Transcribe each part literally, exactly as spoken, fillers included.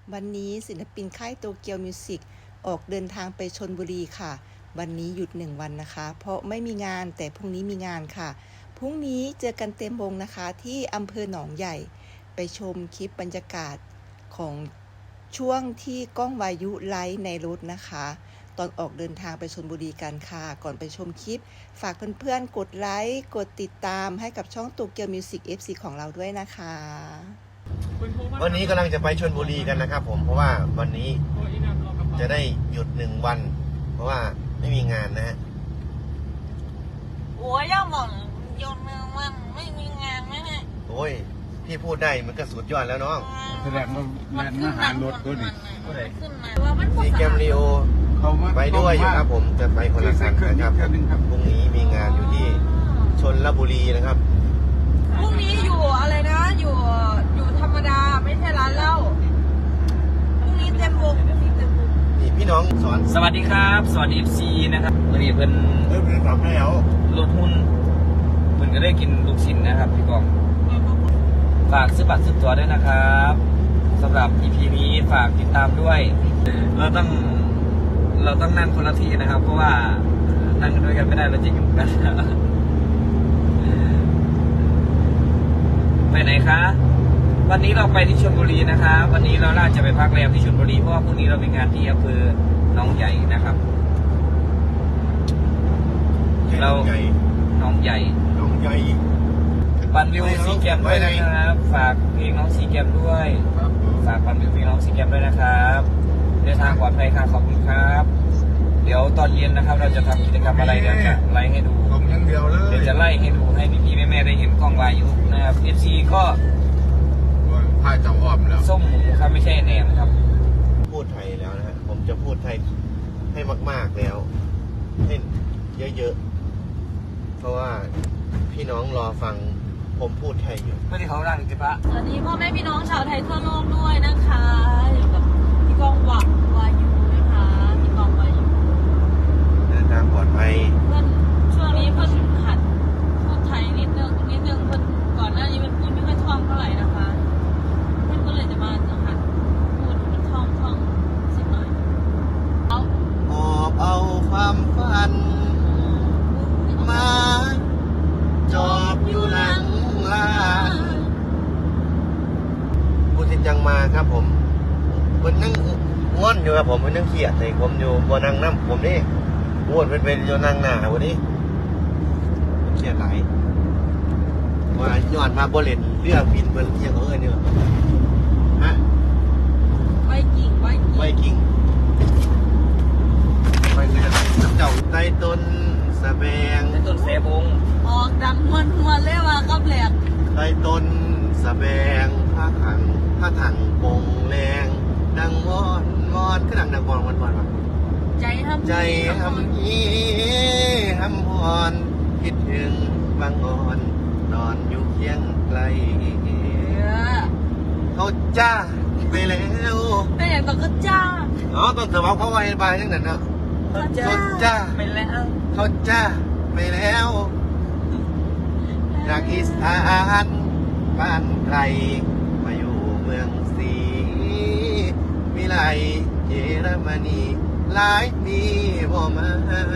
วันนี้ศิลปินค่ายโตเกียวมิวสิกออกเดินทางไปชลบุรีค่ะวันนี้หยุดหนึ่งวันนะคะเพราะไม่มีงานแต่พรุ่งนี้มีงานค่ะพรุ่งนี้เจอกันเต็มวงนะคะที่อำเภอหนองใหญ่ไปชมคลิปบรรยากาศของช่วงที่ก้องวายุไลฟ์ในรถนะคะตอนออกเดินทางไปชลบุรีกันค่ะก่อนไปชมคลิปฝากเพื่อนๆกดไลค์กดติดตามให้กับช่องโตเกียวมิวสิก เอฟ ซี ของเราด้วยนะคะวันนี้กำลังจะไปชลบุรีกันนะครับผมเพราะว่าวันนี้จะได้หยุดหนึ่งวันเพราะว่าไม่มีงานนะฮะโอ้ยย่าหม่องหยุดหนึ่งวันไม่มีงานไหมเนี่ยโอ้ยพี่พูดได้มันก็สุดยอดแล้วน้องแสดงว่าแม่มาหารถตัวนี้ขึ้นมาว่ามันซีแกมรีโอไปด้วยอยู่ครับผมจะไปคนละคันนะครับพรุ่งนี้มีงานอยู่ที่ชลบุรีนะครับพรุ่งนี้อยู่อะไรนะอยู่อยู่ธรรมดาไม่ใช่ร้านเหล้าพรุ่งนี้เต็มวงนี่พี่น้องสอนสวัสดีครับสวัสดี เอฟ ซี นะครับวันนี้เพิ่นเริ่มเรียนรับแล้วลดหุ้นเพิ่นก็ได้กินลูกชิ้นนะครับพี่กองฝากซื้อบัตรซื้อตั๋วด้วยนะครับสำหรับ อี พี นี้ฝากติดตามด้วยเราต้องเราต้องนั่งคนละที่นะครับเพราะว่านั่งด้วยกันไม่ได้เราจะยุ่งกันไปไหนคะวันนี้เราไปที่ชลบุรีนะครับวันนี้เราน่าจะไปพักแรมที่ชลบุรีเพราะว่าพรุ่งนี้เรามีงานที่อำเภอหนองใหญ่นะครับเราหนองใหญ่หนองใหญ่ปันวิวซีแกมด้วยนะครับฝากเพลงน้องซีแกมด้วยฝากปันวิวเพลงน้องซีแกมด้วยนะครับเดินทางปลอดภัยครับขอบคุณครับเดี๋ยวตอนเย็นนะครับเราจะทำกิจกรรมอะไรเดี๋ยวจะไล่ให้ดูเดียวเลยเดี๋ยวจะไล่ให้ดูให้พี่ๆแม่ๆได้เห็นกล้องวายุนะครับ เอฟ ซี ก็พายเจ้าอ้อมแล้วส้มหมูครับไม่ใช่แหนมครับพูดไทยแล้วนะฮะผมจะพูดไทยให้มากๆแล้วให้เยอะๆเพราะว่าพี่น้องรอฟังผมพูดไทยอยู่ไม่ได้เขาดังจิปะสวัสดีพ่อแม่พี่น้องชาวไทยทั่วโลกด้วยนะคะอยู่กับพี่กองหวังวายุนะคะพี่กองวายุเดินทางปลอดภัยเพื่อนช่วงนี้เพื่อนหัดพูดไทยนิดนึงนิดนึงเพื่อนก่อนหน้านี้มันพูดไม่ค่อยคล่องเท่าไหร่นะคะเพื่อนก็เลยจะมาหัดพูดมันคล่องคล่องสักหน่อยเอาหอบเอาความฝันมาจอบอยู่หลังลานพูดจริงจังมาครับผมมันนั่งง่อนอยู่ครับผมมันนั่งเครียดเลยผมอยู่บนนั่งน้ำผมนี่อ้วนเป็นเป็นอยู่นั่งหน้าวันนี้เครียดหลายว่าย้อนมาบริเวณเรื่องบินเบอร์เที่ยงเขาเอ้ยเนี่ยฮะไวกิ่งไวกิ่งไวกิ่งไปเรือเจ้าใต้ต้นสะแบงใต้ต้นเสบงออกดังมวนมวนเลยว่ากับแหลกใต้ต้นสะแบงผ้าขังผ้าถังปงแรงดังวอนวอนก็ดังดังวอนวอนวอนวะใจทำใจทำอีทำวอนคิดถึงบางอ่อนนอนอยู่เคียงไกลเขาจ้าไปแล้วแต่อย่างต้องก็จ้าอ๋อต้องเถอะเขาไว้บายทั้งนั้นนะเขาจ้าไปแล้วเขาจ้าไปแล้วจากอีสานบ้านไกลมาอยู่เมืองศรีวิไลเยอรมนีหลายปีบ่มา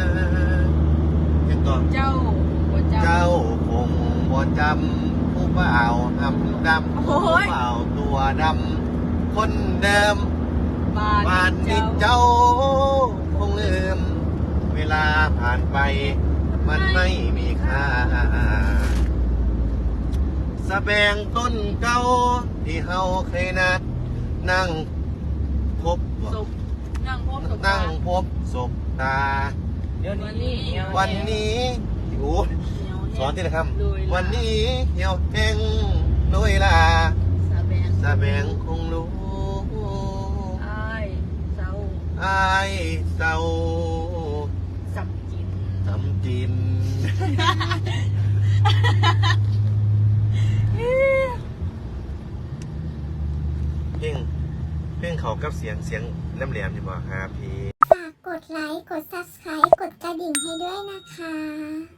ยังก่อนเจ้าเจ้าคงบ่จำผู้บ่าวหำดำผู้บ่าวตัวดำคนเดิมบ้านนี้เจ้าคงลืมเวลาผ่านไปมันไม่มีค่าสะแบงต้นเก่าที่เฮาเคยนัดนั่งพบนั่งพบนั่งพบศพตาวันนี้วันนี้โอ้สอนที่ไหนครับวันนี้เหี่ยวแห้งโดยลาสะแบงคงรู้อายเศร้าอายเศร้าสัมจินสัมจินเพ่งเพ่งเขากับเสียงเสียงแหลมๆอยู่บ่ครับพี่ฝากกดไลค์กด ซับสไครบ์ กดกระดิ่งให้ด้วยนะคะ